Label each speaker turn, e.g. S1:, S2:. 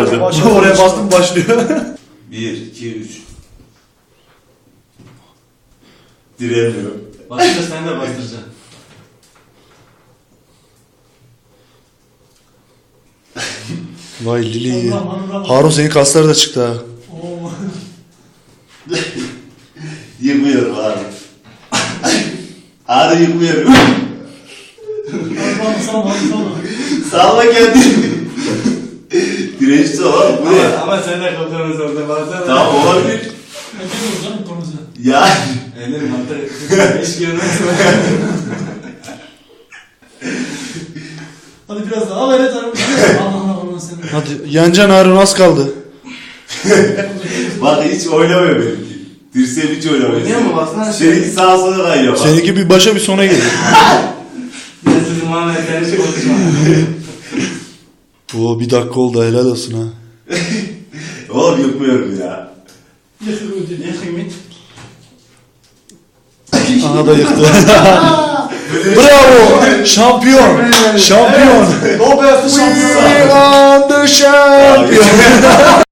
S1: olacak. Oraya bastım başlıyor.
S2: 1, 2, 3. Diremiyorum.
S3: Bastır sen de bastıracaksın.
S1: Vay Lili.
S4: Allah.
S1: Harun senin kasları da çıktı ha.
S4: Oo.
S2: Yıkmıyorum abi. Ağrı yıkmıyorum.
S4: Allah sağ ol.
S2: Sağla kendini. Dirençli ol bu ne?
S3: Ama sen de kalkanı orada baksana.
S2: Tamam olabilir.
S4: Öpüyoruz canım konusu.
S2: Ya.
S3: Ellerim hatta hiç görmez.
S4: Hadi biraz daha ver et arabı. Allah sen.
S1: Hadi yeneceksin Harun, az kaldı.
S2: Bak hiç oynamıyor benimki. Dirseğim hiç oynamıyor.
S3: Oynuyor mu? Baksana.
S2: Seninki sağa sola kayıyor bak.
S1: Seninki bir başa bir sona geliyor.
S3: Ben sizin Muhammed sen hiç konuşma.
S1: Oo, bir dakika oldu, helal olsun ha.
S2: Oğlum yıkmıyorum ya.
S3: Ne kıymet?
S1: Aha da yıktı. Bravo! Şampiyon! Şampiyon!
S4: O beyazlı
S1: We are the champion!